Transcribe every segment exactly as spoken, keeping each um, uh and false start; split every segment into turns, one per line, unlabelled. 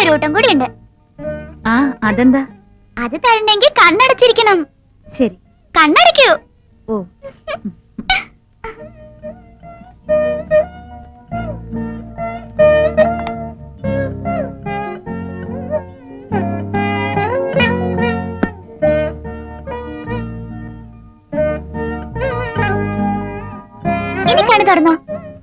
ഒരു കൂട്ടം കൂടി ഉണ്ട്.
ആ അതെന്താ?
അത് തരണമെങ്കിൽ കണ്ണടച്ചിരിക്കണം.
ശരി,
കണ്ണടയ്ക്കൂ.
ഓ
ഇനി കണ്ണ് തുറന്നോ.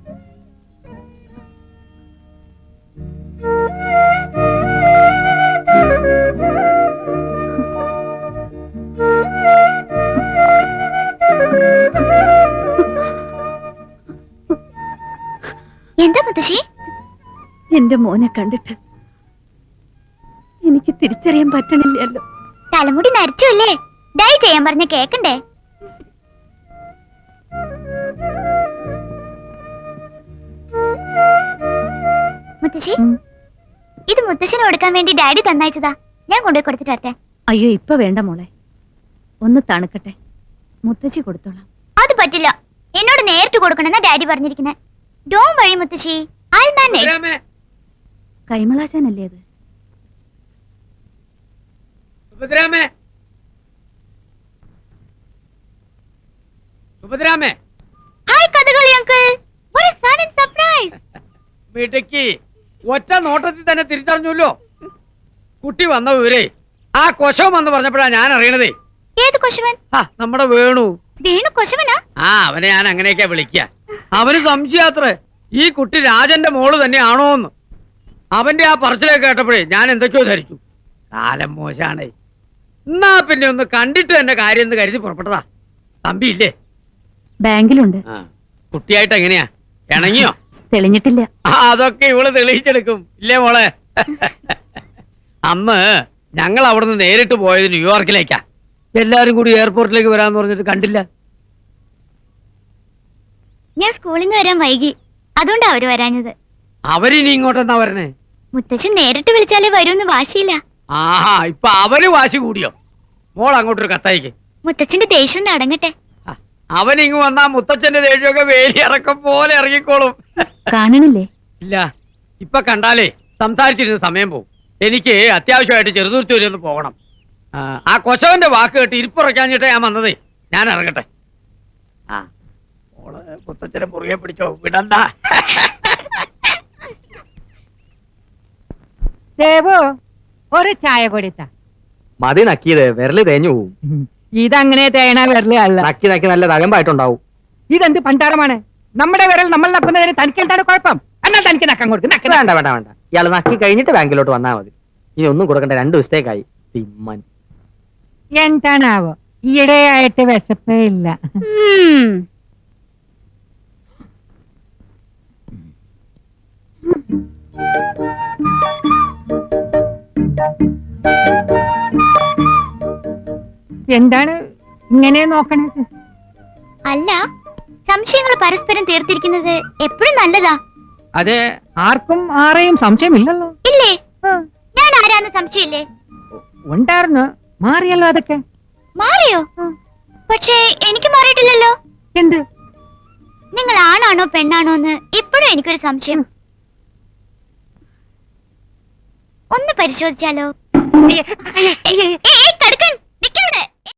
എന്താ മുത്തശ്ശി?
എന്റെ മോനെ കണ്ടിട്ട് എനിക്ക് തിരിച്ചറിയാൻ പറ്റണില്ലല്ലോ.
തലമുടി നരച്ചു അല്ലേ? ഡൈ ചെയ്യാൻ പറഞ്ഞ കേക്കണ്ടേ? മുത്തശ്ശി, ഇത് മുത്തശ്ശിന് കൊടുക്കാൻ വേണ്ടി ഡാഡി തന്നയച്ചതാ. ഞാൻ കൊണ്ടുപോയി കൊടുത്തിട്ട് വരട്ടെ.
അയ്യോ ഇപ്പൊ വേണ്ട മോളെ, ഒന്ന് തണുക്കട്ടെ, മുത്തശ്ശി കൊടുത്തോളാം.
അത് പറ്റില്ല, എന്നോട് നേരിട്ട് കൊടുക്കണമെന്നാ ഡാഡി പറഞ്ഞിരിക്കുന്നത്. ഡോണ്ട് വറി മുത്തശ്ശി, ഐ മാനേജ്.
കൈമളാശാനല്ലേ അത്?
സുഭദ്രാമേ, സുഭദ്രാമേ.
Hi Kathakali uncle, what a sudden surprise.
മിടുക്കി, ഒറ്റ നോട്ടത്തിൽ തന്നെ തിരിച്ചറിഞ്ഞല്ലോ. കുട്ടി വന്ന വിവരേ ആ കൊശവൻ എന്ന് പറഞ്ഞപ്പോഴാ ഞാൻ അറിയണതേ.
ഏത് കൊശവൻ?
നമ്മുടെ വേണു.
വേണു കൊശവനാ?
ആ, അവനെ ഞാൻ അങ്ങനെയൊക്കെ വിളിക്കുക. അവന് സംശയാത്രേ ഈ കുട്ടി രാജന്റെ മോള് തന്നെയാണോന്ന്. അവന്റെ ആ പറച്ചിലൊക്കെ കേട്ടപ്പോഴേ ഞാൻ എന്തൊക്കെയോ ധരിച്ചു. കാലം മോശാണേ. എന്നാ പിന്നെ ഒന്ന് കണ്ടിട്ട് എന്റെ കാര്യം എന്ന് കരുതി പുറപ്പെട്ടതാ. തമ്പിയില്ലേ?
ബാങ്കിലുണ്ട്.
കുട്ടിയായിട്ട് എങ്ങനെയാ, ഇണങ്ങിയോ?
തെളിഞ്ഞിട്ടില്ല.
അതൊക്കെ ഇവള് തെളിയിച്ചെടുക്കും ഇല്ലേ മോളെ? അന്ന് ഞങ്ങൾ അവിടുന്ന് നേരിട്ട് പോയത് ന്യൂയോർക്കിലേക്കാ. എല്ലാരും കൂടി എയർപോർട്ടിലേക്ക് വരാന്ന് പറഞ്ഞിട്ട് കണ്ടില്ല.
ഞാൻ സ്കൂളിൽ നിന്ന് വരാൻ വൈകി, അതുകൊണ്ടാ അവര് വരാഞ്ഞത്.
അവരിനി ഇങ്ങോട്ടെന്നാ വരണേ?
മുത്തച്ഛൻ നേരിട്ട് വിളിച്ചാലേ വരൂന്ന് വാശിയില്ല.
ആഹാ, ഇപ്പൊ അവര് വാശി കൂടിയോ? മോൾ അങ്ങോട്ടൊരു കത്തയക്ക്.
മുത്തച്ഛന്റെ ദേഷ്യം അടങ്ങട്ടെ.
അവനിങ്ങ് വന്നാ മുത്തച്ഛന്റെ ദേഷ്യമൊക്കെ വേലി ഇറക്കം പോലെ ഇറങ്ങിക്കോളും.
കാണണില്ലേ?
ഇല്ല, ഇപ്പൊ കണ്ടാലേ സംസാരിച്ചിരുന്ന സമയം പോകും. എനിക്ക് അത്യാവശ്യമായിട്ട് ചെറുതുരുത്തി ഒന്ന് പോകണം. ആ കൊശവന്റെ വാക്ക് കേട്ട് ഇരിപ്പുറക്കാഞ്ഞിട്ടേ ഞാൻ വന്നതേ. ഞാൻ ഇറങ്ങട്ടെ. ആ മോള് മുത്തച്ഛനെ മുറുകെ പിടിച്ചോ, വിടണ്ട.
ദേവോ, ഒരു ചായ കൊടുത്ത
മതി. നക്കിയത് വിരല് തേഞ്ഞു പോവും.
ഇതങ്ങനെ തേണ വിരല് അല്ല.
നക്കി നക്കി നല്ല തകമ്പായിട്ടുണ്ടാവും.
ഇതെന്ത് പണ്ടാരമാണ്? നമ്മുടെ വിരൽ നമ്മൾ നക്കുന്നതിന് തനിക്ക് എന്താണ് കുഴപ്പം? എന്നാൽ തനിക്ക് നക്കാൻ കൊടുക്കും.
വേണ്ട വേണ്ട വേണ്ട, ഇയാൾ നക്കി കഴിഞ്ഞിട്ട് ബാങ്കിലോട്ട് വന്നാൽ മതി. ഇനി ഒന്നും കൊടുക്കണ്ട, രണ്ടു ദിവസത്തേക്കായി. തിമ്മൻ
എന്താണാവോ, ഈയിടെയായിട്ട് വിശപ്പേ ഇല്ല. എന്താണ് ഇങ്ങനെ നോക്കണത്?
അല്ല, സംശയങ്ങൾ പരസ്പരം തീർത്തിരിക്കുന്നത് എപ്പോഴും നല്ലതാ.
അതെ, ആർക്കും ആരെയും സംശയമില്ലല്ലോ.
ഇല്ലേ? ഞാൻ ആരാന്ന് സംശയമില്ലേ?
ഉണ്ടായിരുന്നു, മാറിയല്ലോ. അതൊക്കെ
മാറിയോ? പക്ഷേ എനിക്ക് മാറിയിട്ടില്ലല്ലോ.
എന്ത്?
നിങ്ങൾ ആണാണോ പെണ്ണാണോ എന്ന് ഇപ്പോഴും എനിക്കൊരു സംശയം. ഒന്ന് പരിശോധിച്ചാലോ?